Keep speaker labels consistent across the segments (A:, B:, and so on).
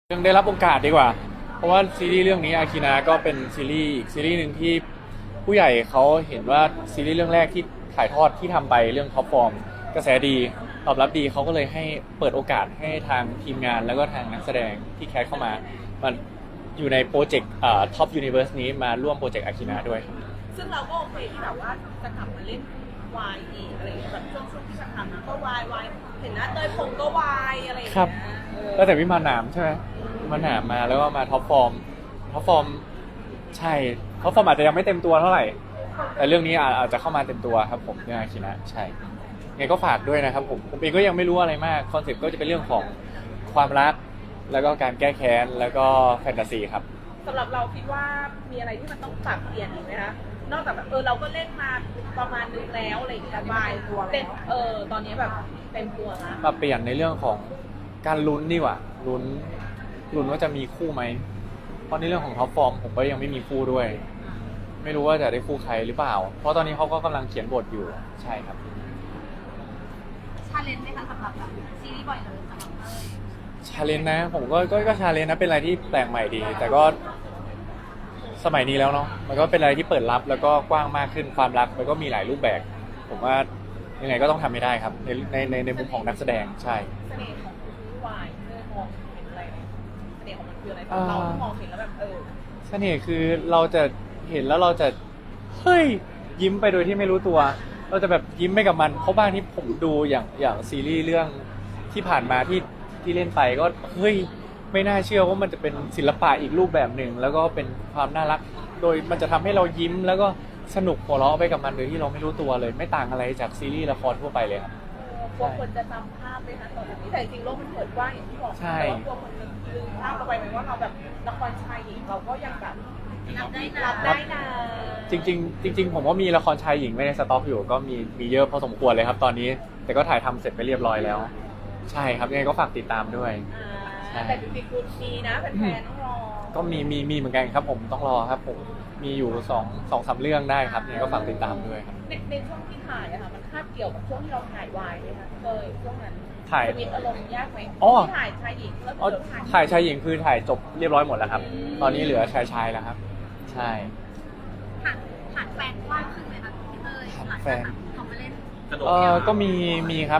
A: ยังได้รับโอกาสดีกว่าเพราะว่าซีรีส์เรื่องนี้อาคินาก็เป็นซีรีส์อีกซีรีส์หนึ่งที่ผู้ใหญ่เขาเห็นว่าซีรีส์เรื่องแรกที่ถ่ายทอดที่ทำไปเรื่องท็อปฟอร์มกระแสดีตอบรับดีเขาก็เลยให้เปิดโอกาสให้ทางทีมงานแล้วก็ทางนักแสดงที่แคสเข้ามามันอยู่ในโปรเจกต์ท็อปยูนิเวอร์สนี้มาร่วมโปรเจกต์อาคินาด้วยครับ
B: ซึ่งเราก็โอเคที่แบบว่าจะกลับมาเล่นวายอีกอะไรอย่างเงี้ยแบบช่วงที่ผ่านมาก็วายเห็นหน้าเตยผมก็วายอะไรอย่าง
A: ครั
B: เงี้
A: บ
B: ย
A: แล้วแต่วิมานหนามใช่ไหมวิมานหนามมาแล้วก็มาท็อปฟอร์มใช่ท็อปฟอร์มอาจจะยังไม่เต็มตัวเท่าไหร่แต่เรื่องนี้อาจจะเข้ามาเต็มตัวครับผมเรื่องอาคินะใช่ไงก็ฝากด้วยนะครับผมเองก็ยังไม่รู้อะไรมากคอนเซ็ปต์ก็จะเป็นเรื่องของความรักแล้วก็การแก้แค้นแล้วก็แฟนตาซีครับ
B: สำหรับเราคิดว่ามีอะไรที่มันต้องปรับเปลี่ยนอีกไหมคะนอกจากแบบเราก็เล่นมาประมาณนึงแล้วอะไรอย่างเงี้ยวายเต็มตอนนี้แบบเต็มตัวนะ
A: ปรับเปลี่ยนในเรื่องของการลุ้นดีกว่าลุ้นว่าจะมีคู่ไหมเพราะในเรื่องของท็อปฟอร์มผมก็ยังไม่มีคู่ด้วยไม่รู้ว่าจะได้คู่ใครหรือเปล่าเพราะตอนนี้เขาก็กำลังเขียนบทอยู่ใช่ครับ
C: ชาเลนจ์ไหมคะสำหรับแบบซีรีส์บ่อยเลยสำหรับเต้ย
A: ชาเลนจ์นะผมก็ชาเลนจ์นะเป็นอะไรที่แปลกใหม่ดีแต่ก็สมัยนี้แล้วเนาะมันก็เป็นอะไรที่เปิดรับแล้วก็กว้างมากขึ้นความรักมันก็มีหลายรูปแบบผมว่ายังไงก็ต้องทำให้ได้ครับในมุมของนักแสดงใช่
B: เสน่ห์ของวายเมื่อมองเห็นอะไรเสน่ห์ของมันคืออะไรเรามองเห็นแล้วแบบ
A: เสน่ห์คือเราจะเห็นแล้วเราจะเฮ้ยยิ้มไปโดยที่ไม่รู้ตัว เราจะแบบยิ้มไปกับมันเพราะบ้างที่ผมดูอย่างซีรีส์เรื่องที่ผ่านมาที่เล่นไปก็เฮ้ยไม่น่าเชื่อว่ามันจะเป็นศิลปะอีกรูปแบบหนึ่งแล้วก็เป็นความน่ารักโดยมันจะทำให้เรายิ้มแล้วก็สนุกหัวเราะไปกับมันโดยที่เราไม่รู้ตัวเลยไม่ต่างอะไรจากซีรีส์ละครทั่วไปเลยครับ
B: กลัวคนจะจำภาพไหมคะตอนนี้แต่จริงๆโลกมันเปิดกว้างอย่างที่บอกแต่ว่ากลัวคนจะลืมภาพเราไปไหมว่าเราแบบละครชายหญิงเราก็ยังแบบรับได้นะ
A: จริงๆผมว่ามีละครชายหญิงไม่ในสต็อกอยู่ก็มีเยอะพอสมควรเลยครับตอนนี้แต่ก็ถ่ายทำเสร็จไปเรียบร้อยแล้วใช่ครับยังไงก็ฝากติดตามด้วย
B: แต่จริงๆคุณมีนะแฟนๆต้องรอ
A: ก็มีเหมือนกันครับผมต้องรอครับผมมีอยู่2-3เรื่องได้ครับยังไงก็ฝากติดตามด้วยครับ
B: ในช่วงที่ถ่ายอะค่ะมันคาบเกี่ยวกับช่วงที่เราถ่ายวายไหมคะช่วงนั้น
A: ถ่าย
B: ชีวิตอารมณ์ยากไหมที่ถ่ายชายหญิงแล้ว
A: ถ่ายชายหญิงคือถ่ายจบเรียบร้อยหมดแล้วครับตอนนี้เหลือชายแล้วครับใช่
C: ผ่านแฟนกว้างขึ้นไหมคะพี่เต้ยหลังจากเขามาเล่น
A: ก็มีครับ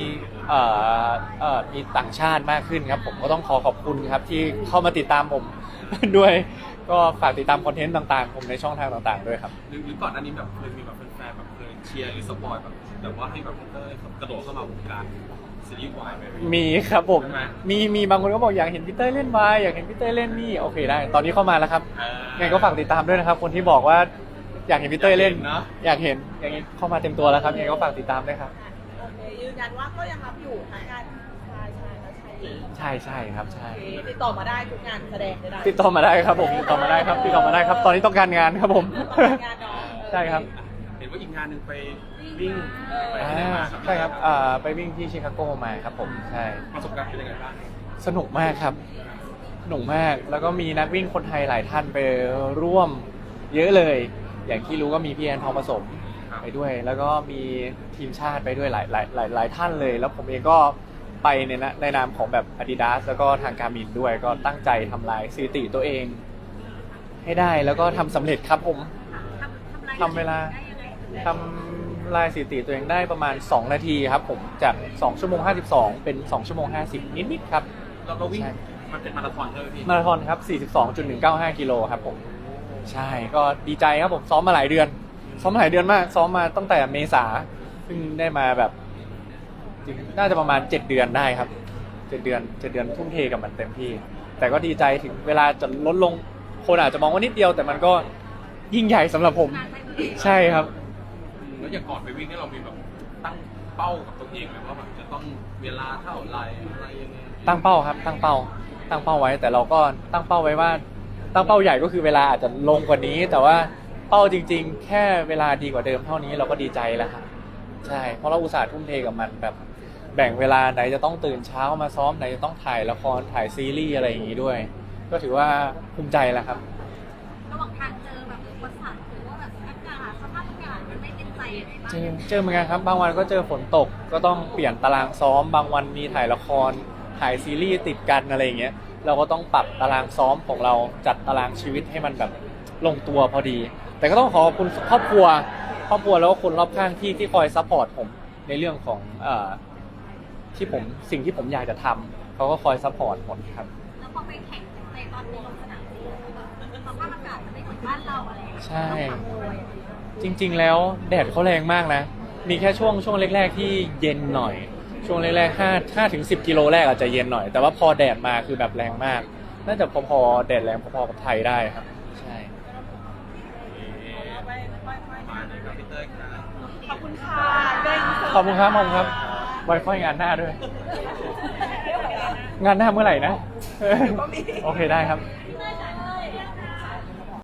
A: มีต่างชาติมากขึ้นครับผมก็ต้องขอบคุณครับที่เข้ามาติดตามผม ด้วยก็ฝากติดตามคอนเทนต์ต่างๆผมในช่องทางต่างๆด้วยครับ
D: หรือก่อนหน้านี้แบบเคยมีแบบแฟนๆแบบเคยเชียร์หรือสปอยแบบว่าให้แบบเต้ยกระโดดเข้ามาวงการซีรีส์วายไหม
A: มีครับผมมีบางคนก็บอกอยากเห็นพี่เต้ยเล่นวายอยากเห็นพี่เต้ยเล่นนี่โอเคได้ตอนนี้เข้ามาแล้วครับไงก็ฝากติดตามด้วยนะครับคนที่บอกว่าอยากเห็นพี่เต้ยเล่นอยากเห็นอย่างนี้เข้ามาเต็มตัวแล้วครับไงก็ฝากติดตามด้วยครับ
B: โอเคยืนยันว่าก็ยังรับอยู่ทั้งงาน
A: ใช่ครับใช่
B: ติดต่อมาได้ทุกงานแสดงได้
A: ติดต่อมาได้ครับผมติดต่อมาได้ครับตอนนี้ต้องการงานครับผมใช่ครับ
D: เห็นว่าอีกงานหนึ่งไปวิ่ง
A: ใช่ครับไปวิ่งที่ชิคาโกมาครับผมใช่
D: ประสบการณ์เป็นยังไงบ้าง
A: สนุกมากครับสนุกมากแล้วก็มีนักวิ่งคนไทยหลายท่านไปร่วมเยอะเลยอย่างที่รู้ก็มีพี่แอนทองผสมไปด้วยแล้วก็มีทีมชาติไปด้วยหลายท่านเลยแล้วผมเองก็ไปในนามของแบบ Adidas แล้วก็ทางการ์มินด้วยก็ตั้งใจทำลายสถิติตัวเองให้ได้แล้วก็ทำสำเร็จครับผมทำเวลาทำลายสถิติตัวเองได้ประมาณ2นาทีครับผมจาก2ชั่วโมง52เป็น2ชั่วโมง50นิดๆครับ
D: เราก็วิ่งมันเป็นมาราธอนใช่ไหมพี่
A: มาราธอนครับ42.195กิโลครับผมใช่ก็ดีใจครับผมซ้อมมาหลายเดือนมากซ้อมมาตั้งแต่เมษาซึ่งได้มาแบบน่าจะประมาณ7เดือนได้ครับ7เดือนทุ่มเทกับมันเต็มที่แต่ก็ดีใจถึงเวลาจะลดลงคนอาจจะมองว่านิดเดียวแต่มันก็ยิ่งใหญ่สำหรับผมใช่ครับ
D: แล้วอย่างก่อนไปวิ่งนี่เรามีแบบตั้งเป้ากับตัวเองไหมว่าแบบจะต้องเวลาเท่าไรอะไรยังไง
A: ตั้งเป้าครับตั้งเป้าไว้แต่เราก็ตั้งเป้าไว้ว่าตั้งเป้าใหญ่ก็คือเวลาอาจจะลงกว่านี้แต่ว่าเป้าจริงๆแค่เวลาดีกว่าเดิมเท่านี้เราก็ดีใจแล้วครับใช่เพราะเราอุตส่าห์ทุ่มเทกับมันแบบแบ่งเวลาไหนจะต้องตื่นเช้ามาซ้อมไหนจะต้องถ่ายละครถ่ายซีรีส์อะไรอย่างนี้ด้วยก็ถือว่าภูมิใจแล้วครับ
C: ระหว่างทางเจอแบบอุปสรรคหรือว่าแบบอากาศสภาพอากาศมันไม่เป็นใจอะไรบ้าง
A: เจอเหมือนกันครับบางวันก็เจอฝนตกก็ต้องเปลี่ยนตารางซ้อมบางวันมีถ่ายละครถ่ายซีรีส์ติดกันอะไรอย่างเงี้ยเราก็ต้องปรับตารางซ้อมของเราจัดตารางชีวิตให้มันแบบลงตัวพอดี แต่ก็ต้องขอบคุณครอบครัวแล้วก็คนรอบข้างที่คอยซัพพอร์ตผมในเรื่องของสิ่งที่ผมอยากจะทำเขาก็คอยซัพพอร์ตหมดครับ
C: แล้วพอไปแข่งในตอนนี้ลงสนามจริงแบบสภาพอากาศมันไม่เหมือนบ้านเราอะไรอย่างเงี้ย
A: ใช่
C: ต้องปรับตัวยังไง
A: จริงๆแล้วแดดเขาแรงมากนะ มีแค่ช่วงแรกๆที่เย็นหน่อย ช่วงแรกๆ5 ถึง 10 กิโลแรกอาจจะเย็นหน่อย แต่ว่าพอแดดมาคือแบบแรงมาก น่าจะพอๆแดดแรงพอๆกับไทยได้ครับ ใช่
D: มาเลยครับพี่เต้ยครับ
B: ขอบคุณค่ะได้
A: ขอบคุณครับไว้ค่อยงานหน้าด้วย งานหน้าเมื่อไหร่นะ โอเคได้ครับ